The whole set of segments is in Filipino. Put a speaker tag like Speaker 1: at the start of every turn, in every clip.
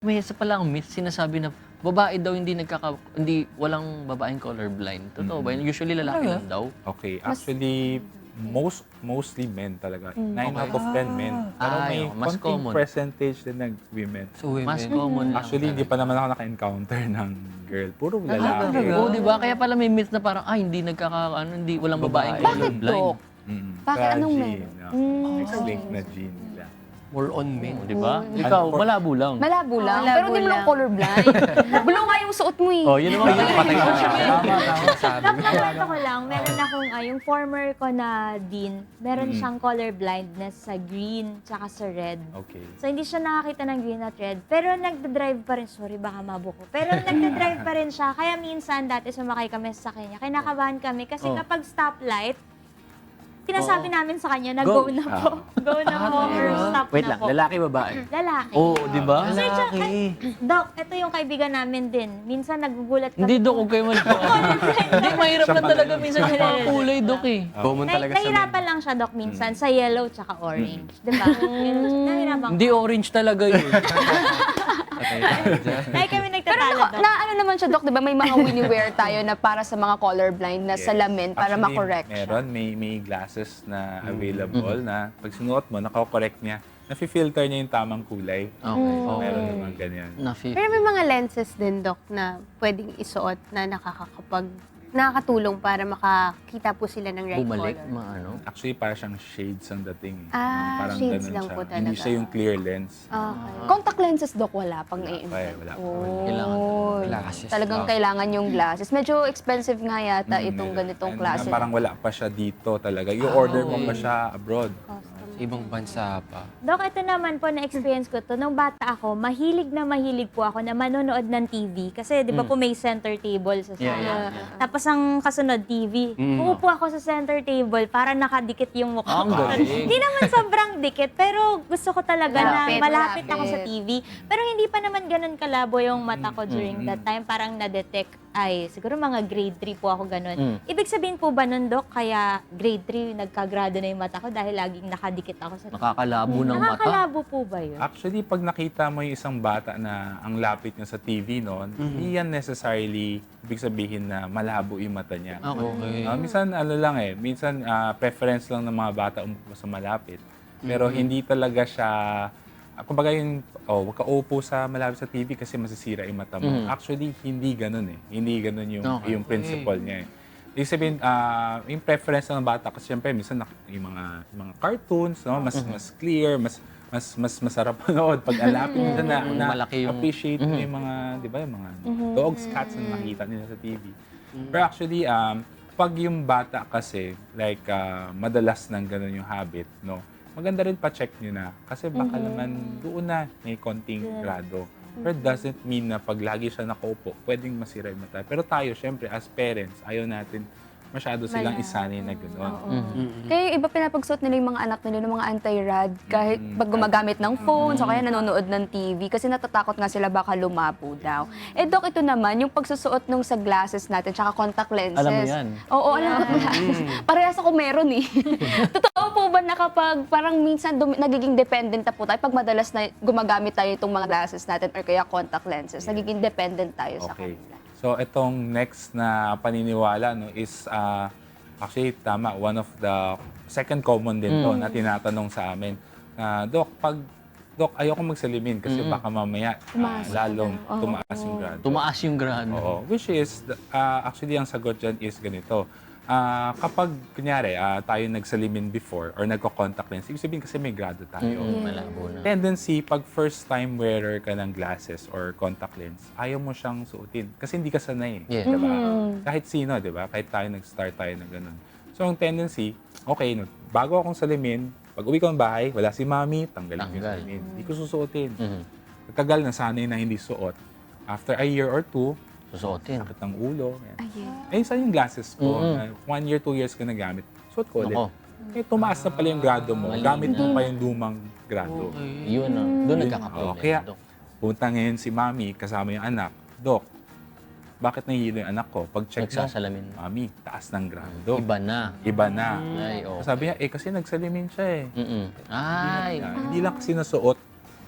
Speaker 1: May isa palang myth sinasabi na babae daw hindi walang babaeng colorblind. Totoo ba yun? Usually lalaki
Speaker 2: Talaga?
Speaker 1: lang daw.
Speaker 3: Okay, actually, mostly men talaga. 9 out of 10 men. Pero
Speaker 1: Ah,
Speaker 3: may
Speaker 1: yun, mas
Speaker 3: konting
Speaker 1: common.
Speaker 3: percentage din ng women.
Speaker 2: So, women.
Speaker 1: Mas common lang.
Speaker 3: Actually, hindi pa naman ako naka-encounter ng girl. Puro lalaki.
Speaker 2: talaga?
Speaker 1: Oo, di ba? Kaya pala may myth na parang, hindi walang babaeng
Speaker 2: Bakit,
Speaker 1: colorblind.
Speaker 4: Dok? Bakit
Speaker 3: Sa
Speaker 4: anong
Speaker 3: gene,
Speaker 4: men?
Speaker 3: X-linked na gene nila.
Speaker 2: More on men.
Speaker 1: Di ba? Ikaw, malabo lang.
Speaker 4: Malabo lang.
Speaker 5: Malabo
Speaker 4: Pero hindi mo lang
Speaker 5: lang.
Speaker 4: colorblind. Blue nga yung suot mo eh.
Speaker 1: Oh, yun naman.
Speaker 2: Patay ka na. Tama, sabi.
Speaker 5: Nakwento ko lang, meron akong, yung former ko na dean, meron siyang color blindness sa green tsaka sa red.
Speaker 3: Okay.
Speaker 5: So, hindi siya nakakita ng green at red. Pero nagda-drive pa rin. Sorry, baka mabuko. Pero nagda-drive pa rin siya. Kaya minsan, dati sumakay kami sa kanya. Kinakabahan kami. Kasi kapag stoplight, sinasabi namin sa kanya na go na po. Go na po or stop
Speaker 1: Wait
Speaker 5: na
Speaker 1: lang,
Speaker 5: po.
Speaker 1: lalaki babae?
Speaker 5: Lalaki.
Speaker 1: Oo, di ba?
Speaker 5: Sir, tsaka-
Speaker 2: Lalaki.
Speaker 5: Doc, ito yung kaibigan namin din. Minsan nagugulat kami.
Speaker 1: Hindi, Dok, huwag kayo mali. Hindi, mahirap lang talaga minsan yung mga kulay, Dok eh.
Speaker 2: Common talaga sa men.
Speaker 5: Nahirapan lang siya, Doc, minsan sa yellow tsaka orange. Di ba? Nahirapan ko.
Speaker 1: Hindi orange talaga yun.
Speaker 2: Patay tayo dyan.
Speaker 5: Ay, kami
Speaker 4: Pero
Speaker 5: nagtatalo, Doc.
Speaker 4: ano naman siya, Dok, di ba? May mga Winnie wear tayo na para sa mga colorblind na salamin para
Speaker 3: Actually,
Speaker 4: makorrect siya.
Speaker 3: Meron, may glasses na available na pag sinuot mo, nakakorek niya. Nafi-filter niya yung tamang kulay.
Speaker 1: Okay.
Speaker 3: So, meron naman ganyan.
Speaker 5: Pero may mga lenses din, Doc, na pwedeng isuot na nakakatulong para makakita po sila ng right
Speaker 1: Bumalik,
Speaker 5: color.
Speaker 1: maano.
Speaker 3: Actually, parang siyang shades ang dating.
Speaker 5: Ah, shades
Speaker 3: ganun
Speaker 5: lang
Speaker 3: siya.
Speaker 5: po
Speaker 3: Hindi
Speaker 5: talaga.
Speaker 3: siya yung clear lens.
Speaker 5: Okay.
Speaker 4: Contact lenses, Dok, wala pang
Speaker 3: Wala pa eh, wala pa.
Speaker 1: Kailangan
Speaker 4: Oh,
Speaker 2: Glasses
Speaker 4: talagang
Speaker 2: lang.
Speaker 4: kailangan yung glasses. Medyo expensive nga yata itong
Speaker 3: Meron.
Speaker 4: ganitong
Speaker 3: And,
Speaker 4: klase.
Speaker 3: parang wala pa siya dito talaga. Yung order mo pa siya abroad.
Speaker 2: Sa ibang bansa pa.
Speaker 5: Doc, ito naman po na-experience ko to. Nung bata ako, mahilig po ako na manonood ng TV. Kasi di ba po may center table sa sala.
Speaker 1: Yeah.
Speaker 5: Tapos ang kasunod, TV. Uupo ako sa center table para nakadikit yung mukha
Speaker 1: Ang
Speaker 5: ko.
Speaker 1: galing.
Speaker 5: Hindi naman sobrang dikit, pero gusto ko talaga na
Speaker 4: Malapit,
Speaker 5: malapit ako sa
Speaker 4: malapit.
Speaker 5: TV. Pero hindi pa naman ganun kalabo yung mata ko during that time. Parang na-detect, siguro mga grade 3 po ako ganun. Ibig sabihin po ba nun, Doc, kaya grade 3 nagkagrado na yung mata ko dahil laging nakadikit ako sa TV?
Speaker 1: Nakakalabo ng mata.
Speaker 5: Nakakalabo po ba yun?
Speaker 3: Actually, pag nakita mo yung isang bata na ang lapit niya sa TV noon, hindi yan necessarily ibig sabihin na malabo yung mata niya.
Speaker 1: Okay.
Speaker 3: Minsan, minsan preference lang ng mga bata umupo sa malapit. Pero hindi talaga siya, kumbaga huwag ka upo sa malapit sa TV kasi masisira yung mata mo. Actually, hindi ganun eh. Hindi ganun yung principle niya eh. Ibig sabihin, yung preference ng bata kasi syempre minsan yung mga cartoons, no, mas clear, mas masarap manood pag alapit minsan na
Speaker 1: Malaki yung-
Speaker 3: appreciate mo yung mga, 'di ba, yung mga dogs, cats na nakita nila sa TV. Pero actually, pag yung bata kasi like madalas nang ganun yung habit, no. Maganda rin pa-check nyo na kasi baka naman doon na may konting grado. Pero it doesn't mean na pag lagi siya nakaupo, pwedeng masira yung mata. Pero tayo, syempre, as parents, ayaw natin masyado silang isanay na gano'n.
Speaker 4: Kaya yung iba pinapagsuot nila yung mga anak nila ng mga anti-rad kahit pag gumagamit ng phone o kaya nanonood ng TV kasi natatakot nga sila baka lumabo daw. Eh, Dok, ito naman, yung pagsusuot nung sa glasses natin tsaka contact lenses.
Speaker 1: Alam mo yan?
Speaker 4: Oo, alam ko yan. Parehas ako meron eh. Totoo po ba na kapag parang minsan nagiging dependent na po tayo pag madalas na gumagamit tayo itong mga glasses natin or kaya contact lenses, nagiging dependent tayo sa
Speaker 3: Okay.
Speaker 4: kanila.
Speaker 3: So, itong next na paniniwala no, is actually, tama, one of the second common din to na tinatanong sa amin. Dok, ayoko magsalimin kasi baka mamaya lalong tumaas yung grado.
Speaker 1: Tumaas yung grado.
Speaker 3: Oo, which is, actually, ang sagot dyan is ganito. Kapag, kunyari, tayo nagsalimin before or nagko-contact lens, ibig sabihin kasi may grado tayo.
Speaker 1: Malabo na.
Speaker 3: Tendency, pag first time wearer ka ng glasses or contact lens, ayaw mo siyang suotin. Kasi hindi ka sanay.
Speaker 1: Yeah.
Speaker 3: Diba? Kahit sino, di ba? Kahit tayo nag-start tayo na ganun. So, ang tendency, okay, bago akong salamin, pag uwi ko ng bahay, wala si mami, tanggalin ko yung salamin. Hindi ko susuotin. Pagkagal na sanay na hindi suot. After a year or two,
Speaker 1: Susuotin.
Speaker 3: sakit ng ulo. Saan yung glasses ko? 1 year, 2 years ko nagamit. Suot ko ulit.
Speaker 1: Ako.
Speaker 3: Tumaas na pala yung grado mo. Gamit mo pa yung lumang grado.
Speaker 1: Yun na. Doon nagkakaproblema.
Speaker 3: Kaya,
Speaker 1: Dok.
Speaker 3: punta ngayon si mami kasama yung anak. Dok, bakit nahihilo yung anak ko? Pag-check mo,
Speaker 1: Nagsasalamin.
Speaker 3: mami, taas ng grado.
Speaker 1: Iba na.
Speaker 3: Iba na.
Speaker 1: Ay, oh.
Speaker 3: Sabi niya, kasi nagsalimin siya eh.
Speaker 1: Ay.
Speaker 3: Hindi lang kasi nasuot.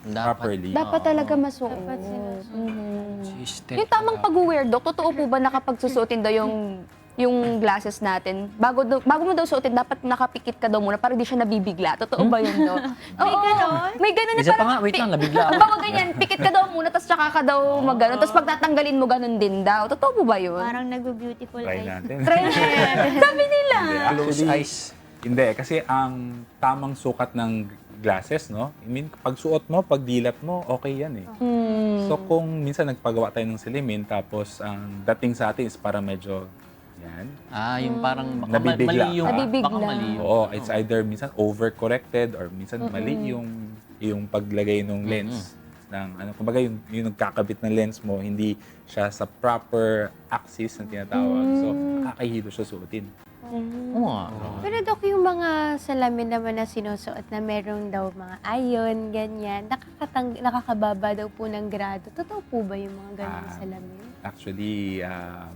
Speaker 3: properly.
Speaker 4: Dapat talaga masuot.
Speaker 5: Dapat sinusuot.
Speaker 2: System.
Speaker 4: Yung tamang pag-wear, Dok, totoo po ba na kapag susuotin daw yung glasses natin, bago mo daw suotin, dapat nakapikit ka daw muna para di siya nabibigla. Totoo ba yun, Dok? May
Speaker 5: ganon?
Speaker 4: May ganon.
Speaker 1: Isa pa nga, wait lang, nabigla ako.
Speaker 4: Bago ganyan, pikit ka daw muna, tapos tsaka ka daw mag-ganon. Tapos pag tatanggalin mo, ganon din daw. Totoo po ba yun?
Speaker 5: Parang nagbe-beautiful
Speaker 3: Try
Speaker 5: eyes.
Speaker 3: natin.
Speaker 4: Sabi nila.
Speaker 2: Close
Speaker 3: Actually,
Speaker 2: eyes.
Speaker 3: Hindi, kasi ang tamang sukat ng glasses, no? I mean, pag suot mo, pag dilat mo, okay yan eh. So kung minsan nagpagawa tayo ng silimin, tapos ang dating sa atin is para medyo yan.
Speaker 1: Yung parang baka
Speaker 3: Nabibigla
Speaker 1: mali yung...
Speaker 3: ka.
Speaker 4: Nabibigla.
Speaker 1: Baka mali yung...
Speaker 3: Oo, it's either minsan overcorrected or minsan mali yung paglagay ng lens ng ano, kumbaga yung nagkakabit ng lens mo, hindi siya sa proper axis na tinatawag. So, kakahilo siya suotin.
Speaker 1: Oo nga.
Speaker 6: Pero Dok, yung mga salamin naman na sinusuot na meron daw mga iron, ganyan, nakakababa daw po ng grado. Totoo po ba yung mga ganyan salamin?
Speaker 3: Actually,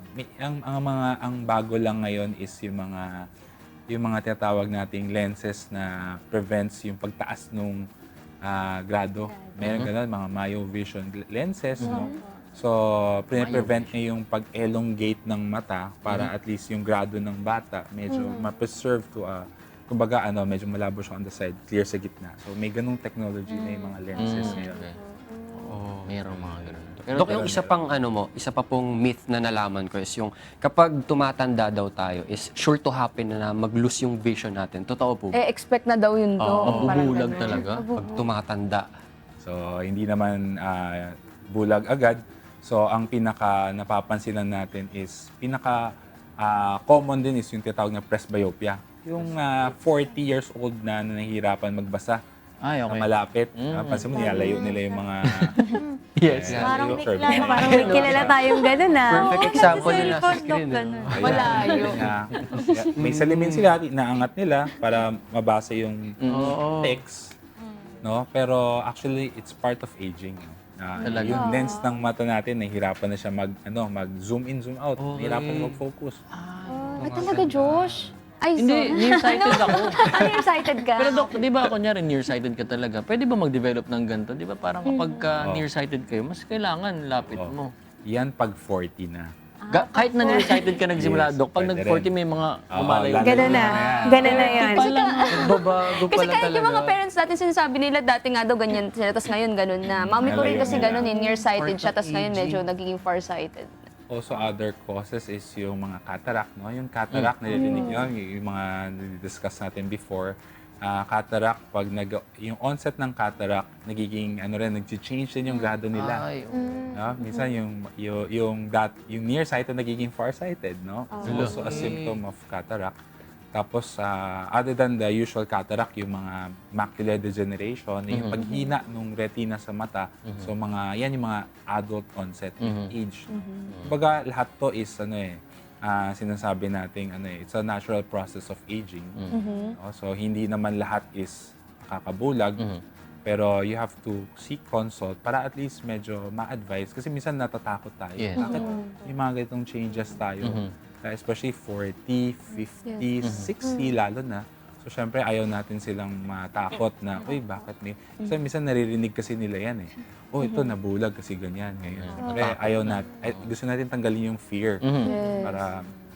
Speaker 3: ang bago lang ngayon is yung mga tinatawag nating lenses na prevents yung pagtaas nung grado. Meron ganun, mga myovision lenses, no? So, prevent niya yung pag-elongate ng mata para at least yung grado ng bata medyo ma-preserve to kumbaga medyo malabo siya on the side, clear sa gitna. So, may ganung technology na yung mga lenses ngayon.
Speaker 1: Okay. Merong mga ganun.
Speaker 2: Dok, yung isa pa pong myth na nalaman ko is yung kapag tumatanda daw tayo is sure to happen na mag-lose yung vision natin. Totoo po ba?
Speaker 4: Expect na daw yun, Dok. Parang
Speaker 1: Mabubulag
Speaker 4: ganun.
Speaker 1: talaga.
Speaker 2: Pag tumatanda.
Speaker 3: So, hindi naman bulag agad. So, ang pinaka napapansinan natin is, common din is yung tinatawag na presbyopia. Yung 40 years old na nahihirapan magbasa
Speaker 1: Ay,
Speaker 3: na
Speaker 1: okay.
Speaker 3: malapit. Pansin mo, nilalayo nila yung mga...
Speaker 1: Yes.
Speaker 5: Parang
Speaker 3: yung
Speaker 5: may
Speaker 3: curve.
Speaker 5: kilala.
Speaker 6: Parang may kilala tayong gano'n ah.
Speaker 2: Perfect example yun nasa
Speaker 5: cellphone, Dok,
Speaker 2: screen.
Speaker 5: ganun.
Speaker 3: Ayan.
Speaker 4: Malayo.
Speaker 3: May salamin sila, inaangat nila para mabasa yung text. No? Pero actually, it's part of aging.
Speaker 1: Talaga.
Speaker 3: Yung lens ng mata natin, nahihirapan na siya mag-zoom in, zoom out. Nahihirapan na mag-focus.
Speaker 4: Ay, talaga, Josh? Ay,
Speaker 1: Hindi,
Speaker 4: sorry.
Speaker 1: nearsighted ako.
Speaker 4: Nearsighted ka?
Speaker 1: Pero Dok, di ba kunyari nearsighted ka talaga, pwede ba mag-develop ng ganito? Di ba parang kapag nearsighted kayo, mas kailangan lapit mo.
Speaker 3: Yan pag 40 na.
Speaker 1: Kahit na nearsighted ka nagsimula,
Speaker 3: Yes,
Speaker 1: Dok, pag
Speaker 3: pwede
Speaker 1: nag-40
Speaker 3: rin.
Speaker 1: may mga lumalayo.
Speaker 3: lalo
Speaker 6: Gano'n na. Gano'n na yan.
Speaker 2: Nagbabago
Speaker 4: Kasi
Speaker 2: pala
Speaker 4: kahit
Speaker 2: talaga.
Speaker 4: yung mga parents natin sinasabi nila dati nga daw ganyan sila, tapos ngayon ganun na. Mami ko rin kasi ganun nearsighted siya, tapos ngayon medyo nagiging farsighted.
Speaker 3: Also, other causes is yung mga cataract, no? Yung cataract, narinig nyo, yung mga discuss natin before. Cataract, pag yung onset ng cataract, nagiging, nag-change din yung grado nila.
Speaker 1: Ay,
Speaker 3: No? Minsan, yung nearsighted nagiging farsighted, no? It's also a symptom of cataract. Tapos, other than the usual cataract, yung mga macular degeneration, yung paghina ng retina sa mata. So, yan yung mga adult onset age. Kumbaga, lahat to is, sinasabi nating, it's a natural process of aging. No? So, hindi naman lahat is kakabulag. Pero you have to seek consult para at least medyo ma-advise. Kasi minsan natatakot tayo.
Speaker 1: Yes.
Speaker 3: Bakit may mga ganitong changes tayo? Especially 40, 50, 60 lalo na. So, syempre, ayaw natin silang matakot na, uy, bakit may... So, minsan naririnig kasi nila yan eh. Oh, ito, nabulag kasi ganyan. Ngayon. Syempre, gusto natin tanggalin yung fear para